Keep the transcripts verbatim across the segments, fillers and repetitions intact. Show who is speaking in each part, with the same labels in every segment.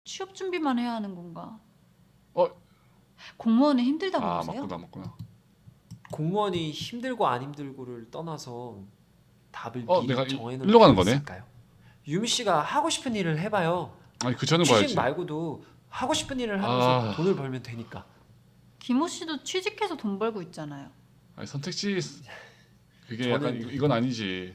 Speaker 1: 취업 준비만 해야 하는 건가?
Speaker 2: 어?
Speaker 1: 공무원은 힘들다고
Speaker 2: 아
Speaker 1: 보세요?
Speaker 2: 맞구나 맞구나.
Speaker 3: 공무원이 힘들고 안 힘들고를 떠나서 답을
Speaker 2: 어
Speaker 3: 미리
Speaker 2: 내가 이-
Speaker 3: 정해놓을
Speaker 2: 일로 가는
Speaker 3: 필요
Speaker 2: 거네.
Speaker 3: 있을까요? 유미 씨가 하고 싶은 일을 해봐요.
Speaker 2: 아니 그 전에
Speaker 3: 취직
Speaker 2: 봐야지.
Speaker 3: 말고도 하고 싶은 일을 하면서
Speaker 2: 아.
Speaker 3: 돈을 벌면 되니까.
Speaker 1: 김호 씨도 취직해서 돈 벌고 있잖아요.
Speaker 2: 아니 선택지 그게
Speaker 3: 저는-
Speaker 2: 약간 이- 이건 아니지.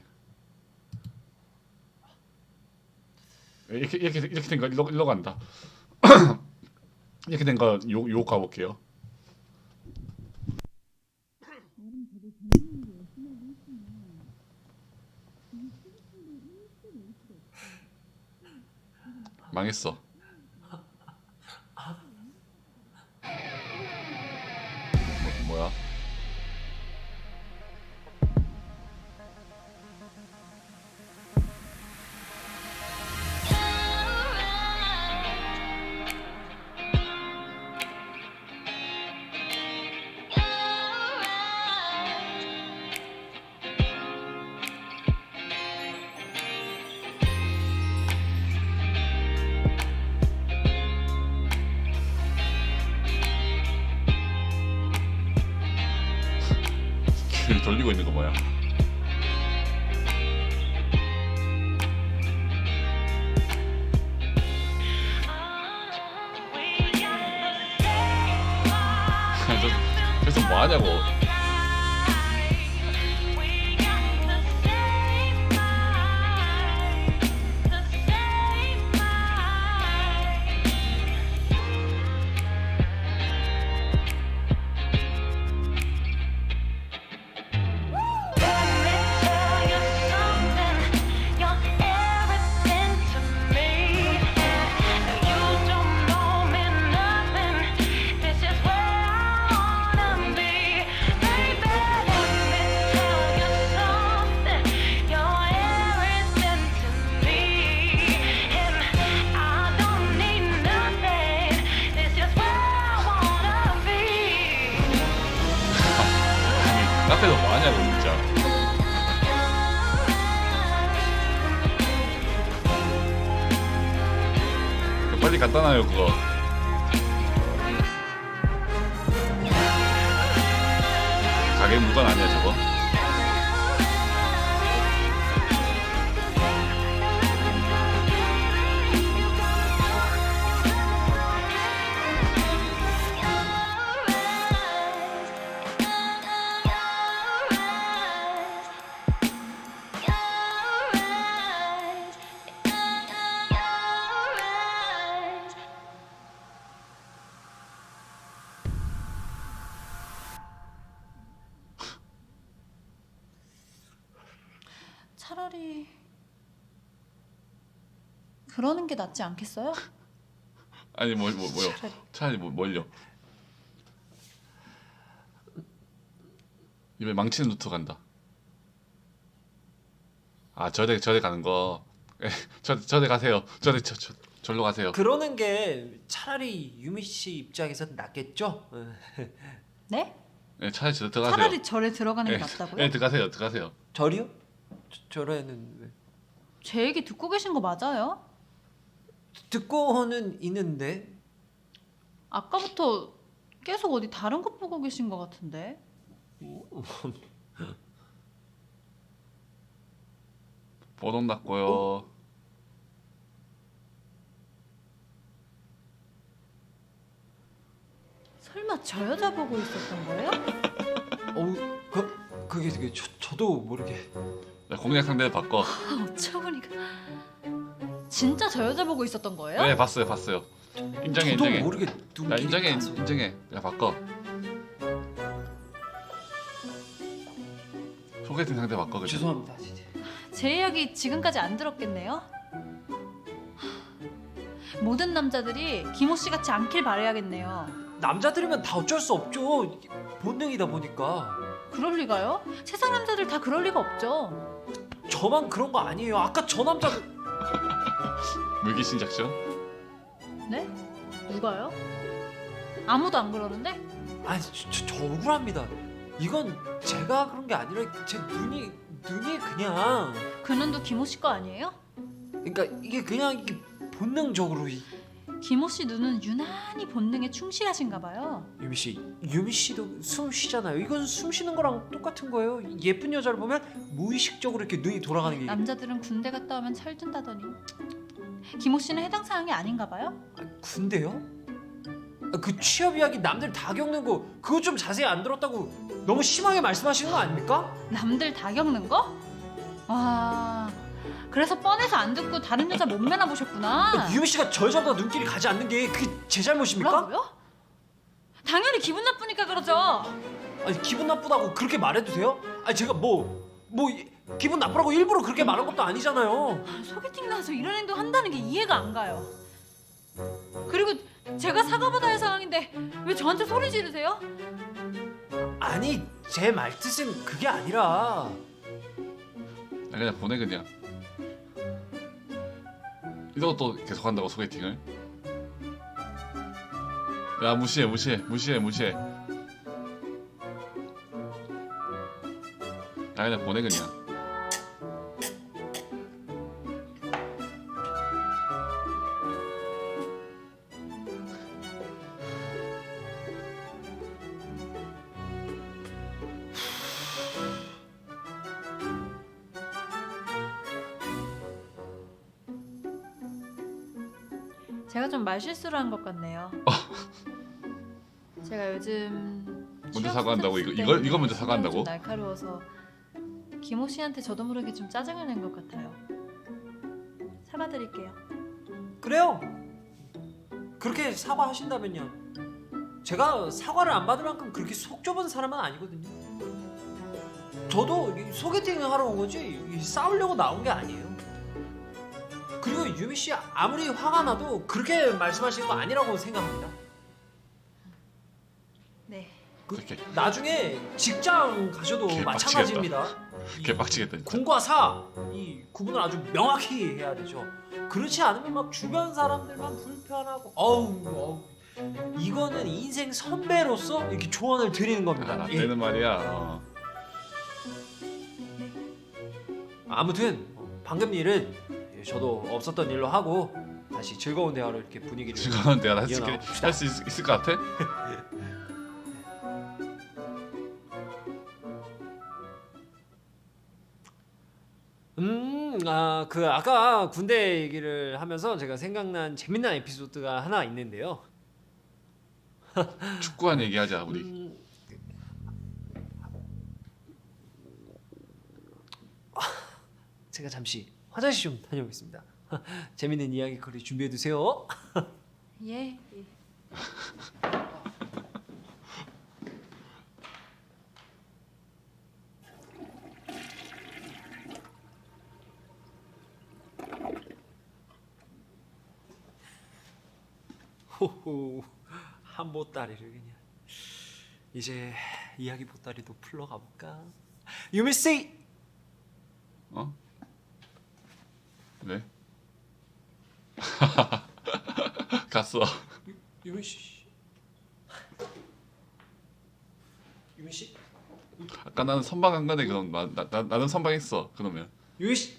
Speaker 2: 이렇게 이렇게 이렇게 된 거 일로 일로 간다. 이렇게 된 거 욕 욕 가볼게요. 망했어. 뭐, 뭐야? 귀를 돌리고 있는 거 뭐야? 저, 저기서 뭐 하냐고. 카페에서 뭐 하냐고 진짜. 빨리 갖다 놔요 그거. 가게 물건 아니야 저거?
Speaker 1: 차라리 그러는 게 낫지 않겠어요?
Speaker 2: 아니 뭐, 뭐 뭐요?
Speaker 1: 차라리.
Speaker 2: 차라리 뭐 뭘요? 입에 망치는 루트 간다. 아 저대 저대 가는 거. 에, 저 저대 가세요. 저대 저, 저 절로 가세요.
Speaker 3: 그러는 게 차라리 유미 씨 입장에서 낫겠죠? 어.
Speaker 1: 네?
Speaker 2: 예, 차라리 저 들어가세요.
Speaker 1: 차라리 절에 들어가는 게
Speaker 2: 예,
Speaker 1: 낫다고요?
Speaker 2: 예, 들어가세요. 들어가세요.
Speaker 3: 절이요? 저, 절에는 왜?
Speaker 1: 제 얘기 듣고 계신 거 맞아요?
Speaker 3: 듣고는 있는데.
Speaker 1: 아까부터 계속 어디 다른 것 보고 계신 것 같은데.
Speaker 2: 보돈 났고요.
Speaker 1: 설마 저 여자 보고 있었던 거예요?
Speaker 3: 어우, 그 그게 되게 저, 저도 모르게.
Speaker 2: 자, 공략 상대를 바꿔.
Speaker 1: 아, 어처구니가. 진짜 저 여자 보고 있었던 거예요?
Speaker 2: 네, 봤어요, 봤어요. 인정해,
Speaker 3: 저도
Speaker 2: 인정해.
Speaker 3: 모르게
Speaker 2: 야,
Speaker 3: 눈길이
Speaker 2: 인정해,
Speaker 3: 가서.
Speaker 2: 인정해. 야, 바꿔. 소개팅 상대 바꿔. 그냥.
Speaker 3: 죄송합니다, 진짜.
Speaker 1: 제 이야기 지금까지 안 들었겠네요? 모든 남자들이 김호 씨 같이 않길 바라야겠네요.
Speaker 3: 남자들이면 다 어쩔 수 없죠. 이게 본능이다 보니까.
Speaker 1: 그럴 리가요? 세상 남자들 다 그럴 리가 없죠.
Speaker 3: 저만 그런 거 아니에요. 아까 저 남자
Speaker 2: 물귀신 작전?
Speaker 1: 네? 누가요? 아무도 안 그러는데?
Speaker 3: 아니 저, 저, 저 억울합니다. 이건 제가 그런 게 아니라 제 눈이 눈이 그냥
Speaker 1: 그 눈도 김호 씨 거 아니에요?
Speaker 3: 그러니까 이게 그냥 이게 본능적으로 이,
Speaker 1: 김호 씨 눈은 유난히 본능에 충실하신가 봐요.
Speaker 3: 유미 씨, 유미 씨도 숨 쉬잖아요. 이건 숨 쉬는 거랑 똑같은 거예요. 예쁜 여자를 보면 무의식적으로 이렇게 눈이 돌아가는 게.
Speaker 1: 남자들은 군대 갔다 오면 철든다더니 김호 씨는 해당 사항이 아닌가 봐요.
Speaker 3: 아, 군대요? 아, 그 취업 이야기 남들 다 겪는 거 그거 좀 자세히 안 들었다고 너무 심하게 말씀하시는 거 아닙니까?
Speaker 1: 남들 다 겪는 거? 와, 그래서 뻔해서 안 듣고 다른 여자 몸매나 보셨구나.
Speaker 3: 아, 유미 씨가 저 여자보다 눈길이 가지 않는 게 그게 제 잘못입니까?
Speaker 1: 뭐라고요? 당연히 기분 나쁘니까 그러죠.
Speaker 3: 아니 기분 나쁘다고 그렇게 말해도 돼요? 아니 제가 뭐 뭐 기분 나쁘라고 일부러 그렇게 말한 것도 아니잖아요.
Speaker 1: 소개팅 나와서 이런 행동 한다는 게 이해가 안 가요. 그리고 제가 사과받아야 할 상황인데 왜 저한테 소리 지르세요?
Speaker 3: 아니 제 말뜻은 그게 아니라
Speaker 2: 아, 그냥 보내 그냥. 이것도 계속 한다고 소개팅을? 야 무시해 무시해 무시해 무시해. 아 그냥 보내 그냥.
Speaker 1: 제가 좀 말실수를 한 것 같네요. 제가 요즘
Speaker 2: 먼저
Speaker 1: 취업
Speaker 2: 사과한다고?
Speaker 1: 스트레스
Speaker 2: 이거- 이거-
Speaker 1: 때문에
Speaker 2: 이거 먼저
Speaker 1: 성격이
Speaker 2: 사과한다고?
Speaker 1: 좀 날카로워서 김호 씨한테 저도 모르게 좀 짜증을 낸 것 같아요. 사과드릴게요.
Speaker 3: 그래요. 그렇게 사과하신다면요. 제가 사과를 안 받을 만큼 그렇게 속 좁은 사람은 아니거든요. 저도 이 소개팅을 하러 온 거지 이 싸우려고 나온 게 아니에요. 그리고 유미 씨 아무리 화가 나도 그렇게 말씀하시는 거 아니라고 생각합니다.
Speaker 1: 네.
Speaker 3: 그
Speaker 2: 이렇게
Speaker 3: 나중에 직장 가셔도
Speaker 2: 개빡치겠다.
Speaker 3: 마찬가지입니다. 이
Speaker 2: 개빡치겠다 진짜.
Speaker 3: 군과 사 이 구분을 아주 명확히 해야 되죠. 그렇지 않으면 막 주변 사람들만 불편하고 어우 어우 이거는 인생 선배로서 이렇게 조언을 드리는 겁니다.
Speaker 2: 아, 나
Speaker 3: 예.
Speaker 2: 때는 말이야. 어.
Speaker 3: 아무튼 방금 일은 저도 없었던 일로 하고 다시 즐거운 대화로 이렇게 분위기를
Speaker 2: 즐거운 대화 할수
Speaker 3: 이어나갑시다.
Speaker 2: 할수 있을 것 같아?
Speaker 3: 음, 아, 그 아까 군대 얘기를 하면서 제가 생각난 재밌는 에피소드가 하나 있는데요.
Speaker 2: 축구한 얘기하자 우리.
Speaker 3: 음, 제가 잠시 화장실 좀 다녀오겠습니다. 재밌는 이야기거리 준비해 두세요.
Speaker 1: 예. 예.
Speaker 3: 호호, 한 보따리를 그냥. 이제 이야기 보따리도 풀러가 볼까? 유미 씨.
Speaker 2: 어? 왜? 갔어.
Speaker 3: 유미 씨. 유미 씨.
Speaker 2: 아까 나는 선방 안 가네 그럼 나, 나, 나 나는 선방했어 그러면.
Speaker 3: 유미 씨.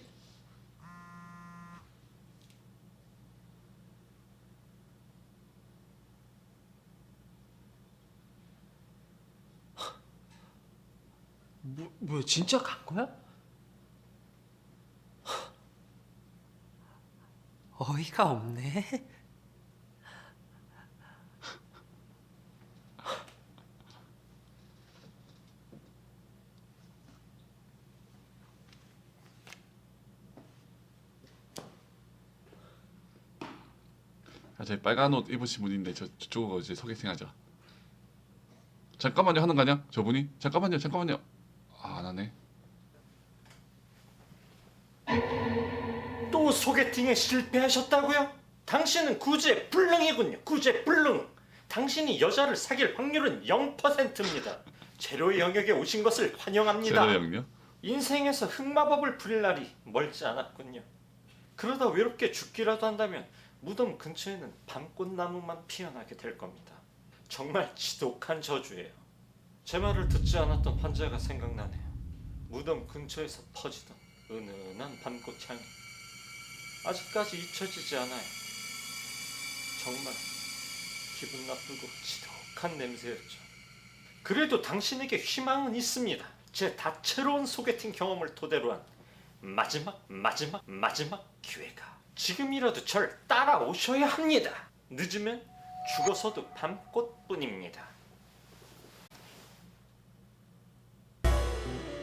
Speaker 3: 뭐, 뭐야 진짜 간 거야? 어이가 없네.
Speaker 2: 아, 저 빨간 옷 입으신 분인데 저 저쪽으로 이제 소개팅하자. 잠깐만요 하는 거 아니야? 저분이? 잠깐만요 잠깐만요. 아, 안 하네.
Speaker 4: 또 소개팅에 실패하셨다고요? 당신은 구제불능이군요. 구제불능. 당신이 여자를 사귈 확률은 영 퍼센트입니다. 제로의 영역에 오신 것을 환영합니다.
Speaker 2: 제로 영요?
Speaker 4: 인생에서 흑마법을 부릴 날이 멀지 않았군요. 그러다 외롭게 죽기라도 한다면 무덤 근처에는 밤꽃나무만 피어나게 될 겁니다. 정말 지독한 저주예요. 제 말을 듣지 않았던 환자가 생각나네요. 무덤 근처에서 퍼지던 은은한 밤꽃 향이 아직까지 잊혀지지 않아요. 정말 기분 나쁘고 지독한 냄새였죠. 그래도 당신에게 희망은 있습니다. 제 다채로운 소개팅 경험을 토대로 한 마지막 마지막 마지막 기회가. 지금이라도 절 따라오셔야 합니다. 늦으면 죽어서도 밤꽃뿐입니다.